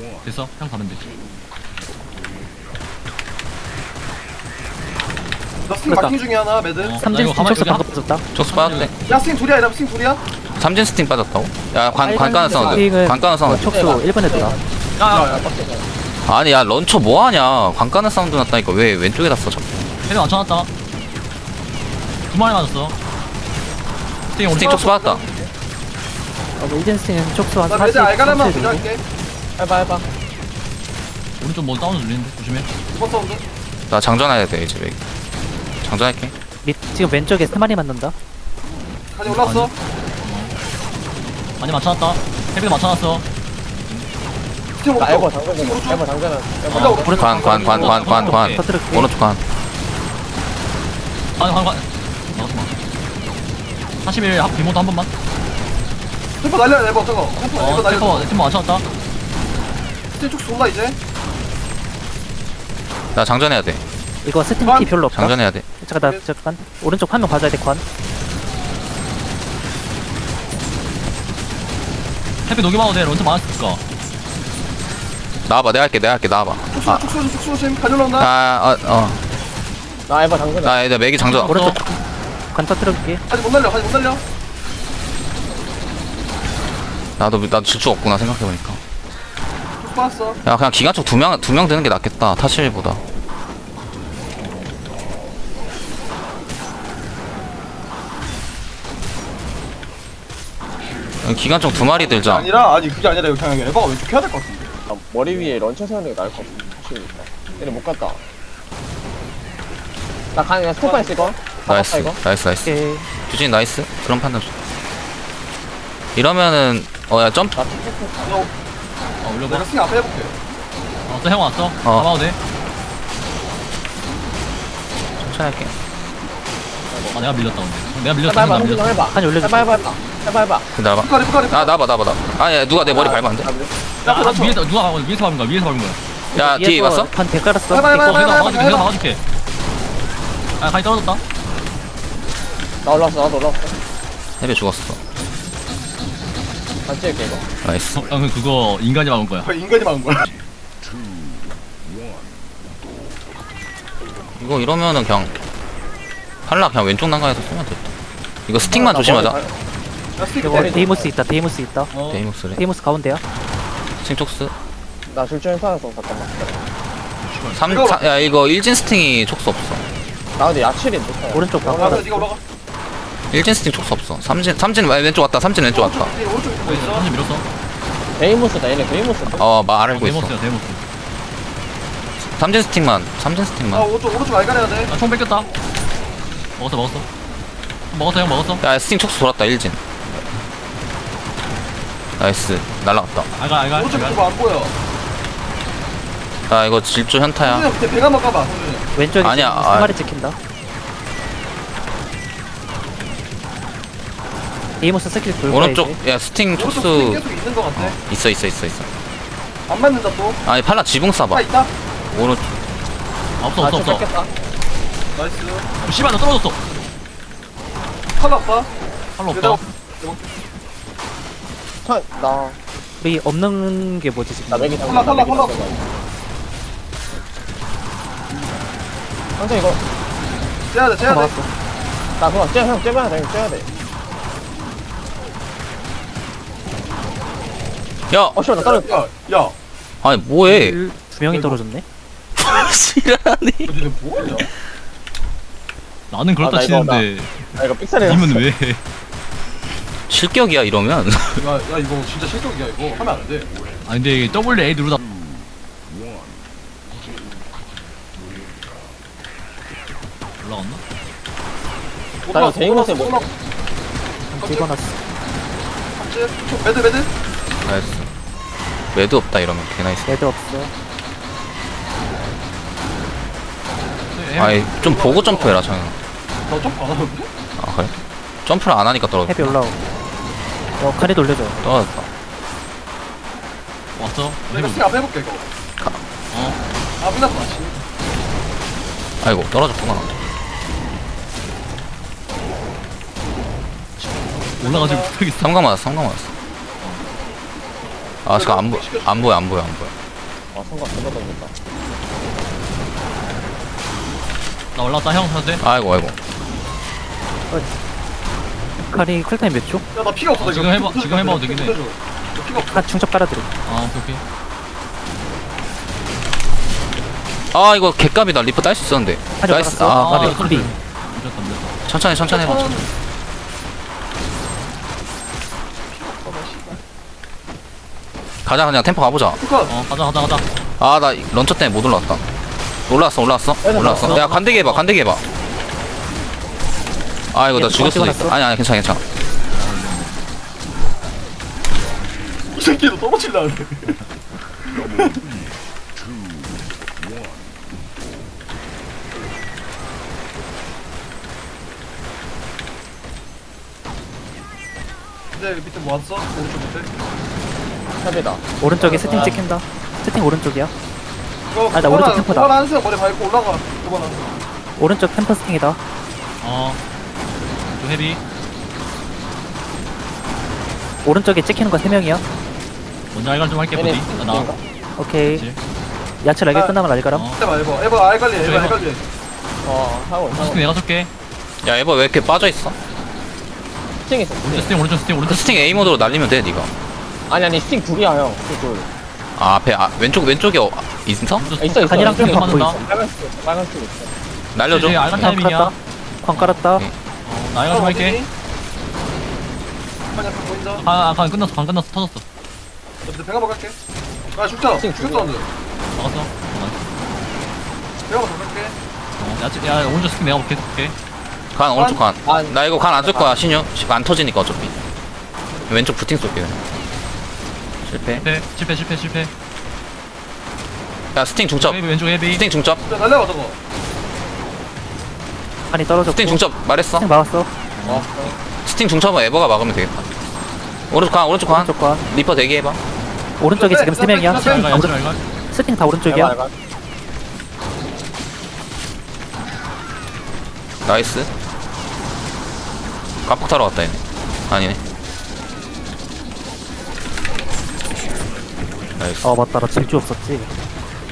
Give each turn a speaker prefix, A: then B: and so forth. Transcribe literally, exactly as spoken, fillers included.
A: 됐어. 형 가면 돼.
B: 나 스팅 마킹 중에 하나 매드.
A: 어. 나
C: 삼진
A: 이거
C: 스팅
A: 가만히
C: 촉수
A: 여기
C: 방금 빠졌다.
D: 촉수 빠졌대.
B: 야 스팅 둘이야 이러면 스팅 둘이야?
D: 삼진 스팅 빠졌다고? 야, 관, 관가는 사운드.
C: 스팅은
D: 관가는 사운드.
C: 촉수 일 번 애들아.
A: 야야.
D: 아니, 야, 런처 뭐하냐. 관가는 사운드 났다니까. 왜 왼쪽에다 써, 자꾸.
A: 헤드 맞춰놨다. 두 마리 맞았어. 스팅
D: 스팅
A: 오른쪽.
D: 촉수 빠졌다.
C: 어, 일진 스팅은 촉수 한
B: 나 매드
C: 사십,
B: 알가라만
C: 삼십 정도.
B: 부조할게.
E: 해봐 해봐.
A: 오른쪽 뭐 다운을 눌리는데 조심해.
B: 두 번 사운드.
D: 나 장전해야 돼, 이제. 맥. 장전할게.
C: 밑, 지금 왼쪽에 세 마리 맞는다.
B: 가지 올랐어.
A: 많이 맞춰놨다. 헤드 맞춰놨어.
B: 스팅
E: 나 에버
B: 오른쪽.
E: 당근 좀. 에버 당근은. 에버
B: 어.
E: 당근.
D: 관, 관, 관, 관, 관, 관.
C: 터뜨릴게.
D: 오른쪽 관.
A: 아니 관관. 나갔어 마. 사십일 합 비모도 한 번만.
B: 템포 날려야 돼, 뭐 저거. 템포
A: 어
B: 이거 날려.
A: 템포 템포 맞춰놨다.
B: 스팅 쪽 쏜다 이제.
D: 나 장전해야 돼.
C: 이거 스팅
B: 관?
C: 피 별로 없다.
D: 장전해야 돼.
C: 잠깐 나 잠깐 오른쪽 화면 봐줘야 돼 관.
A: 헤드 녹여봐도 돼. 런처 많았으니까.
D: 나와봐, 내가 할게, 내가 할게, 나와봐.
B: 축소
D: 아,
B: 축소 축소 조심. 가지 올라온다.
D: 아, 어, 어.
E: 나 에버 당근.
D: 나 이제 맥이 장전.
C: 오른쪽 관 터뜨릴게.
B: 아직 못 날려. 아직 못 날려.
D: 나도, 나도 질주 없구나, 생각해보니까.
B: 쭉 빠졌어.
D: 야, 그냥 기관총 두 명, 두 명 되는 게 낫겠다, 타실보다. 기관총 두 마리 들자.
B: 아니라 아니 그게 아니라 여기 그냥 에버가 왼쪽 해야 될 것 같은데.
E: 아, 머리 위에 런처 세우는 게 나을 것 같아. 사실이니까. 얘네 못 갔다. 나 가는 스톱만 있을 거.
D: 나이스,
E: 이거.
D: 나이스, 나이스.
C: 오케이.
D: 규진이 나이스. 그런 판단 좋다. 이러면은, 어, 야, 점프.
E: 나
B: 너
A: 어 올려봐.
B: 내가 스팅 앞에 해볼게.
A: 왔어 형 왔어.
D: 어.
A: 가봐도 돼.
D: 천천히 할게.
A: 아 내가 밀렸다 근데. 내가 밀렸어.
E: 해봐 해봐.
A: 나
E: 한번
A: 밀렸어.
E: 해봐.
C: 칸이 올려줄게.
E: 해봐 해봐 해봐. 해봐 해봐.
D: 기다려봐.
B: 북가리 북가리.
D: 아, 나봐, 나봐, 나봐. 아, 야, 누가 내 머리 밟으면 안 돼?
B: 야,
A: 야,
B: 그렇죠.
A: 위에서 누가 밟은 거야? 위에서 밟은 거야? 위에서 밟은 거야?
D: 야, 뒤에
C: 위에서
D: 봤어?
C: 관 대깔았어.
B: 해봐, 해봐,
A: 어,
B: 해봐.
A: 내가 막아줄게.
B: 해봐.
A: 내가 막아줄게. 아, 간이 떨어졌다.
E: 나 올라왔어. 나도 올라왔어.
D: 헤비 죽었어.
E: 나 찍을게 이거.
D: 나이스.
A: 어, 형 그거 인간이 막은 거야.
B: 거의 인간이 막은 거야.
D: 이거 이러면은 그냥, 팔라 그냥 왼쪽 난간에서 쏘면 됐다. 이거 스틱만 조심하자.
B: 나 스팅
C: 이거
B: 머리.
C: 데이모스 있다. 데이모스 있다.
A: 어.
D: 데이목스래.
C: 데이모스 가운데야.
D: 스팅 촉수.
E: 나 줄줄 살아서 잠깐만.
D: 삼,
B: 이거-
D: 사, 야, 이거 일진 스팅이 촉수 없어.
E: 나 근데 야칠인데.
C: 오른쪽 방
B: 올라가.
C: 깔아.
B: 네가 올라가.
D: 일진 스팅 촉수 없어. 삼진, 삼진 왼쪽 왔다. 삼진 왼쪽 왔다.
B: 오른쪽 뒤에 오른쪽에 보고 있어.
A: 한줄 밀었어.
E: 데이모스다 얘네 데이모스.
D: 어, 말 알고 있어.
A: 데모스야 데모스.
D: 삼진 스틱만, 삼진
B: 아
D: 스틱만.
B: 오른쪽 오른쪽 알가려야 돼.
A: 아총 뺏겼다. 먹었어 먹었어. 먹었어 형 먹었어.
D: 야, 스팅 촉수 돌았다, 일진. 나이스. 날라갔다.
A: 알갈 알갈.
B: 오른쪽
A: 알갈.
B: 그거 안 보여.
D: 야, 이거 질주 현타야.
B: 성준이 밑에 배가 한번 까봐. 성준이.
C: 왼쪽에
D: 아니야,
C: 지금 세
D: 아.
C: 마리 찍힌다. 데이모스 스킬 돌고
D: 오른쪽, 야, 스팅
B: 오른쪽 스팅
D: 촉수.
B: 계속 있는 것 같아.
D: 있어, 있어, 있어, 있어.
B: 안 맞는다 또.
D: 아니, 팔라 지붕
B: 차
D: 쏴봐.
B: 있다.
D: 오른쪽.
A: 아, 없어 없어 없어.
E: 뺏겼다.
B: 나이스.
A: 어, 씨발 나 떨어졌어.
B: 칼 없다.
A: 할로
B: 내가
A: 없다.
E: 차, 나,
C: 우리 없는 게 뭐지 지금?
E: 나 맥이 당근.
B: 탈락, 탈락, 탈락.
E: 형제 이거,
B: 째야 돼, 째야 돼.
C: 막았어.
E: 나 그거 쟤, 형 째봐야 돼, 째야 돼.
D: 야!
E: 어, 씨발, 나 떨어졌다.
B: 야, 야.
D: 아니, 뭐해.
C: 일- 두 명이 떨어졌네.
D: 지랄하니.
B: 너네 뭐하냐?
A: 나는 그렇다
E: 아, 나 이거
A: 치는데
E: 나 이거 삑사리
A: 님은 왜?
D: 실격이야, 이러면.
B: 야, 야 이거 진짜 실격이야 이거. 하면 안 돼.
A: 아 근데 이게 더블 A 누르다 올라갔나?
E: 나 이거 데이모스에 뭐-
B: 올라-
C: 찍어놨어.
B: 깜찍. 저 매드 매드.
D: 나이스. 매드 없다, 이러면. 개나이스.
C: 레드 없어.
A: 네,
D: 아이, 좀 보고 점프해라, 장현.
B: 나 점프 안 하는데?
D: 아, 그래? 점프를 안 하니까 떨어졌다.
C: 헤비 올라오. 어 카리 돌려줘.
D: 떨어졌다.
A: 왔어?
B: 내가
A: 해보.
B: 스팅 앞에 해볼게 이거.
A: 어.
B: 아 끝났다.
D: 아이고, 떨어졌구나.
A: 올라가지고 못하겠어.
D: 삼각 맞았어, 삼각 맞았어. 아, 지금 안, 보, 안 보여, 안 보여, 안 보여.
E: 성과 전혀 던졌다.
A: 나 올라왔다 형 사도 돼?
D: 아이고 아이고.
C: 칼이 쿨타임 몇 초?
B: 야나 피가 없어.
A: 아,
B: 나
A: 지금
B: 이거
A: 해봐- 지금 해봐도 되긴 해.
B: 끝내줘. 나 피가 없어.
C: 칼 충접 깔아드려.
A: 아 오케이 오케이.
D: 아 이거 개값이다. 리프 딸 수 있었는데.
C: 하죠,
D: 나이스.
C: 알았어.
D: 아
C: 아,
D: 까비.
C: 소리.
A: 늦었다 늦었다.
D: 천천히 천천히 해봐. 천천히. 가자 그냥 템포 가보자.
B: 컷.
A: 어 가자 가자 가자.
D: 아 나 런처 때문에 못 올라왔다. 올라왔어 올라왔어 올라왔어. 야 간대기 해봐 간대기 해봐. 아 이거 나
C: 얘
D: 죽을 수도
C: 찍어놨어?
D: 있어. 아니 아니 괜찮아 괜찮아.
B: 이 새끼도 떨어질라 하네. 근데 밑에 뭐 왔어? 오른쪽 밑에?
E: 탑이다.
C: 오른쪽에 세팅 찍힌다. 세팅 오른쪽이야.
B: 이거
C: 아, 나 오른쪽 템포다.
B: 그만 한승 머리 밟고 올라가. 그만 한.
C: 오른쪽 템퍼 세팅이다.
A: 어. 좀 헤비.
C: 오른쪽에 찍히는 거 세 명이야.
A: 먼저 알갈 좀 할게
E: 얘네
A: 부디. 나 나.
E: 스팅인가?
C: 오케이.
A: 그치.
C: 야채 날개
B: 아.
C: 끝나면 알가람.
A: 어.
B: 에바 에바 에바 알갈리 에바
A: 에바.
B: 알갈리.
E: 어, 하고 있어.
A: 스팅 내가 쏠게.
D: 야 에버 왜 이렇게 빠져있어?
E: 스팅 있어.
A: 오른쪽
E: 스팅.
A: 스팅 오른쪽 스팅
D: 그
A: 오른쪽
D: 스팅 A 모드로 날리면 돼 니가.
E: 아니 아니 스팅 둘이야 형. 스팅 둘.
D: 아 앞에 아 왼쪽 왼쪽에 어, 있어?
A: 오른쪽
E: 아, 있어 있어.
C: 간이랑
E: 스팅
C: 템포
E: 있어.
C: 갖고
A: 있어.
E: 빨간 스팅 있어. 빨간 스팅 있어.
D: 날려줘.
A: 이제 알갈
C: 광
A: 타이밍이야.
C: 깔았다. 광 깔았다.
D: 오케이.
A: 어, 나 알갈 좀 할게.
B: 한 약간 보인다.
A: 아, 아, 간 끝났어, 간 끝났어, 터졌어.
B: 나 밑에 배가 먹을게. 아 죽자.
E: 지금
B: 죽였어 완전.
A: 막았어. 어,
B: 배가 먹을게
A: 나- 어, 야, 지- 야, 오른쪽 스팅 내가 계속 볼게.
D: 간 오른쪽 간.
E: 아,
D: 나 이거 간 안 쓸 거야 신유. 안 터지니까 어차피. 왼쪽 부팅 쏠게 그냥. 실패.
A: 실패, 실패, 실패, 실패.
D: 야 스팅 중첩.
A: 헤비, 왼쪽 헤비.
D: 스팅 중첩.
B: 야 날려봐 저거.
C: 간이 떨어졌고.
D: 스팅 중첩 말했어.
C: 스팅 막았어.
E: 어.
D: 스팅 중첩은 에버가 막으면 되겠다. 오른쪽 간 오른쪽 간.
C: 오른쪽 관.
D: 리퍼 대기해봐.
C: 오른쪽에 지금 세 명이야.
B: 나
C: 세팅
A: 알갈,
C: 다
A: 왼쪽
C: 오른.
A: 알갈.
C: 세팅 다
E: 내가
C: 오른쪽이야.
E: 알가.
D: 나이스. 깜빡 타러 왔다 얘네. 아니네. 나이스.
C: 어 맞다. 나 질주 없었지.